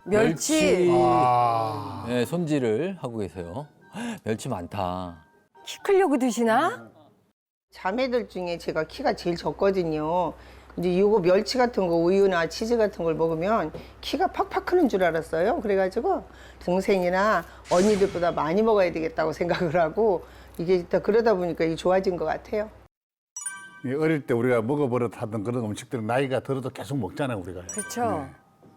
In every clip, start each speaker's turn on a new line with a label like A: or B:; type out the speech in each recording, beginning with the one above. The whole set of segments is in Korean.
A: 멸치.
B: 네, 손질을 하고 계세요. 멸치 많다.
A: 키 크려고 드시나?
C: 자매들 중에 제가 키가 제일 적거든요. 이제 이거 멸치 같은 거 우유나 치즈 같은 걸 먹으면 키가 팍팍 크는 줄 알았어요. 그래가지고 동생이나 언니들보다 많이 먹어야 되겠다고 생각을 하고 이게 다 그러다 보니까 이게 좋아진 것 같아요.
D: 어릴 때 우리가 먹어버릇하던 그런 음식들은 나이가 들어도 계속 먹잖아요, 우리가.
A: 그렇죠.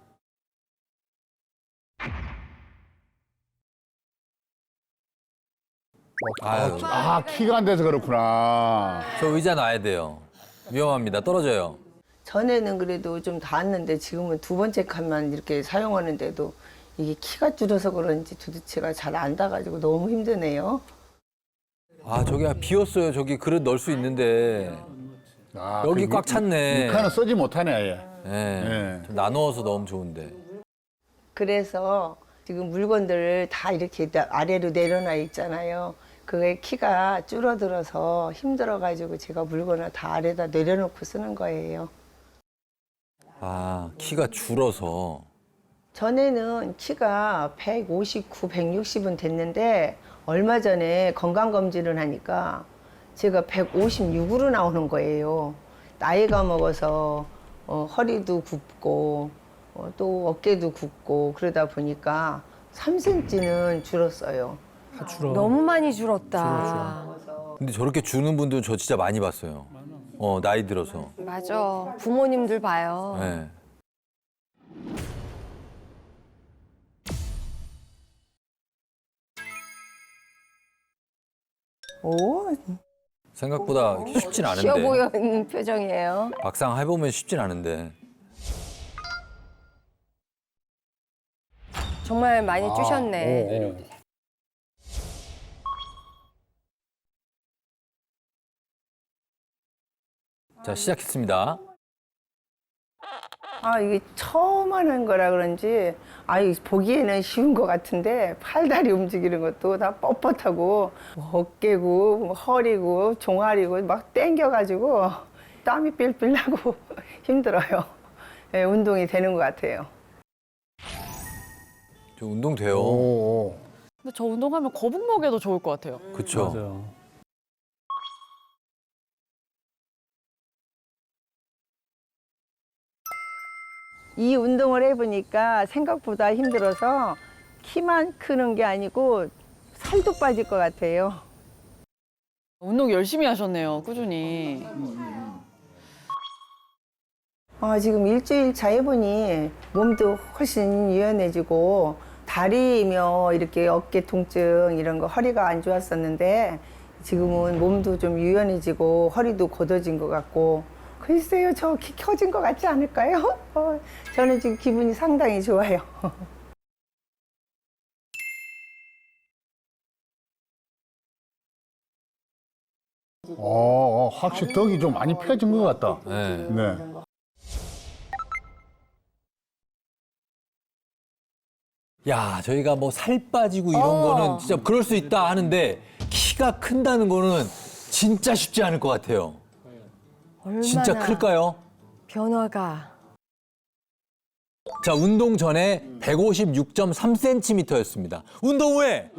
B: 아유,
D: 키가 안 돼서 그렇구나.
B: 저 의자 놔야 돼요. 위험합니다. 떨어져요.
C: 전에는 그래도 좀 닿았는데 지금은 두 번째 칸만 이렇게 사용하는데도 이게 키가 줄어서 그런지 도대체가 잘 안 닿아가지고 너무 힘드네요.
B: 아, 저기 비었어요. 저기 그릇 넣을 수 있는데. 여기 꽉 찼네.
D: 칸은 쓰지 못하네, 아예.
B: 네. 좀 나누어서 넣으면 좋은데.
C: 그래서 지금 물건들을 다 이렇게 아래로 내려놔 있잖아요. 그게 키가 줄어들어서 힘들어가지고 제가 물건을 다 아래다 내려놓고 쓰는 거예요.
B: 아, 키가 줄어서.
C: 전에는 키가 159, 160은 됐는데 얼마 전에 건강검진을 하니까 제가 156으로 나오는 거예요. 나이가 먹어서 허리도 굽고 또 어깨도 굽고 그러다 보니까 3cm는 줄었어요.
A: 너무 많이 줄었다.
B: 근데 저렇게 주는 분들 저 진짜 많이 봤어요. 나이 들어서.
A: 맞아. 부모님들 봐요.
B: 네.
C: 오,
B: 생각보다 이렇게 쉽진
A: 쉬워
B: 않은데.
A: 보이는 표정이에요.
B: 막상 해보면 쉽진 않은데.
A: 정말 많이 쭈셨네.
B: 자, 시작했습니다.
C: 이게 처음 하는 거라 그런지 보기에는 쉬운 것 같은데 팔다리 움직이는 것도 다 뻣뻣하고 뭐 어깨고 뭐 허리고 종아리고 막 땡겨가지고 땀이 삘삘 나고 힘들어요. 예, 운동이 되는 것 같아요.
B: 저 운동 돼요.
E: 근데 저 운동하면 거북 먹여도 좋을 것 같아요.
B: 그쵸.
C: 이 운동을 해보니까 생각보다 힘들어서 키만 크는 게 아니고 살도 빠질 것 같아요.
E: 운동 열심히 하셨네요, 꾸준히.
C: 지금 일주일 차 해보니 몸도 훨씬 유연해지고 다리며 이렇게 어깨 통증 이런 거 허리가 안 좋았었는데 지금은 몸도 좀 유연해지고 허리도 곧어진 것 같고 글쎄요, 저 키 커진 것 같지 않을까요? 저는 지금 기분이 상당히 좋아요.
D: 확실히 덕이 좀 많이 펴진 것 같다.
B: 네.
D: 네.
B: 야, 저희가 뭐 살 빠지고 이런 거는 진짜 그럴 수 있다 하는데 키가 큰다는 거는 진짜 쉽지 않을 것 같아요.
A: 얼마나
B: 진짜 클까요?
A: 변화가.
B: 자, 운동 전에 156.3cm였습니다. 운동 후에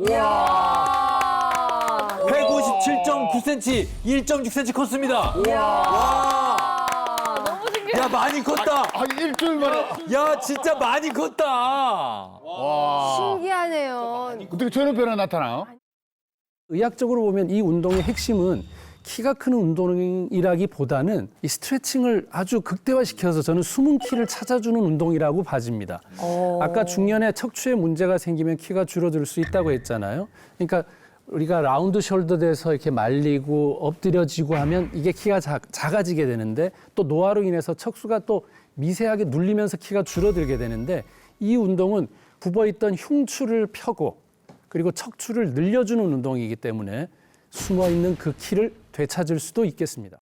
B: 157.9cm, 1.6cm 컸습니다. 와!
E: 너무 신기해.
B: 야, 많이 컸다.
D: 일주일 만에.
B: 야, 진짜 많이 컸다.
D: 와.
A: 신기하네요.
D: 어떻게 저런 변화 나타나요?
F: 의학적으로 보면 이 운동의 핵심은 키가 크는 운동이라기보다는 이 스트레칭을 아주 극대화시켜서 저는 숨은 키를 찾아주는 운동이라고 봐집니다. 아까 중년에 척추에 문제가 생기면 키가 줄어들 수 있다고 했잖아요. 그러니까 우리가 라운드 숄더 돼서 이렇게 말리고 엎드려지고 하면 이게 키가 작아지게 되는데 또 노화로 인해서 척수가 또 미세하게 눌리면서 키가 줄어들게 되는데 이 운동은 굽어있던 흉추를 펴고 그리고 척추를 늘려주는 운동이기 때문에 숨어있는 그 키를 되찾을 수도 있겠습니다.